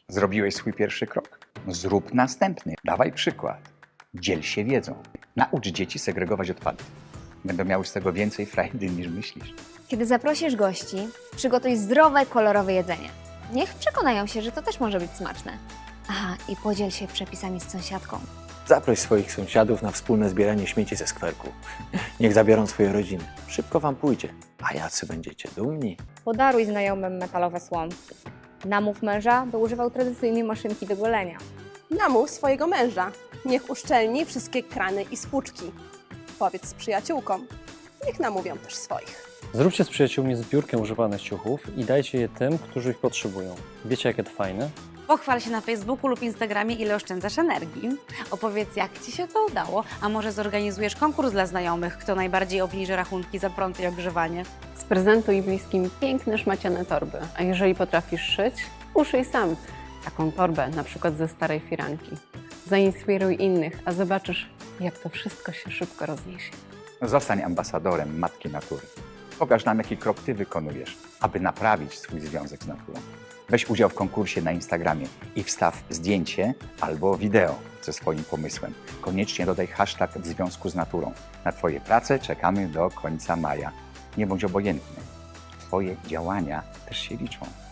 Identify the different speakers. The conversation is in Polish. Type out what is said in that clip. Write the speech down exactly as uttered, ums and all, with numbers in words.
Speaker 1: Zrobiłeś swój pierwszy krok. Zrób następny. Dawaj przykład. Dziel się wiedzą. Naucz dzieci segregować odpady. Będą miały z tego więcej frajdy niż myślisz.
Speaker 2: Kiedy zaprosisz gości, przygotuj zdrowe, kolorowe jedzenie. Niech przekonają się, że to też może być smaczne. Aha, i podziel się przepisami z sąsiadką.
Speaker 3: Zaproś swoich sąsiadów na wspólne zbieranie śmieci ze skwerku. Niech zabiorą swoje rodziny. Szybko wam pójdzie, a jacy będziecie dumni.
Speaker 4: Podaruj znajomym metalowe słomki. Namów męża, by używał tradycyjnej maszynki do golenia.
Speaker 5: Namów swojego męża. Niech uszczelni wszystkie krany i spłuczki. Powiedz z przyjaciółkom. Niech namówią też swoich.
Speaker 6: Zróbcie z przyjaciółmi zbiórkę używanych ciuchów i dajcie je tym, którzy ich potrzebują. Wiecie, jakie to fajne?
Speaker 7: Pochwal się na Facebooku lub Instagramie, ile oszczędzasz energii. Opowiedz, jak Ci się to udało, a może zorganizujesz konkurs dla znajomych, kto najbardziej obniży rachunki za prąd i ogrzewanie.
Speaker 8: Sprezentuj bliskim piękne szmaciane torby, a jeżeli potrafisz szyć, uszyj sam taką torbę, na przykład ze starej firanki. Zainspiruj innych, a zobaczysz, jak to wszystko się szybko rozniesie.
Speaker 1: Zostań ambasadorem Matki Natury. Pokaż nam, jaki krok Ty wykonujesz, aby naprawić swój związek z naturą. Weź udział w konkursie na Instagramie i wstaw zdjęcie albo wideo ze swoim pomysłem. Koniecznie dodaj hashtag w związku z naturą. Na Twoje prace czekamy do końca maja. Nie bądź obojętny. Twoje działania też się liczą.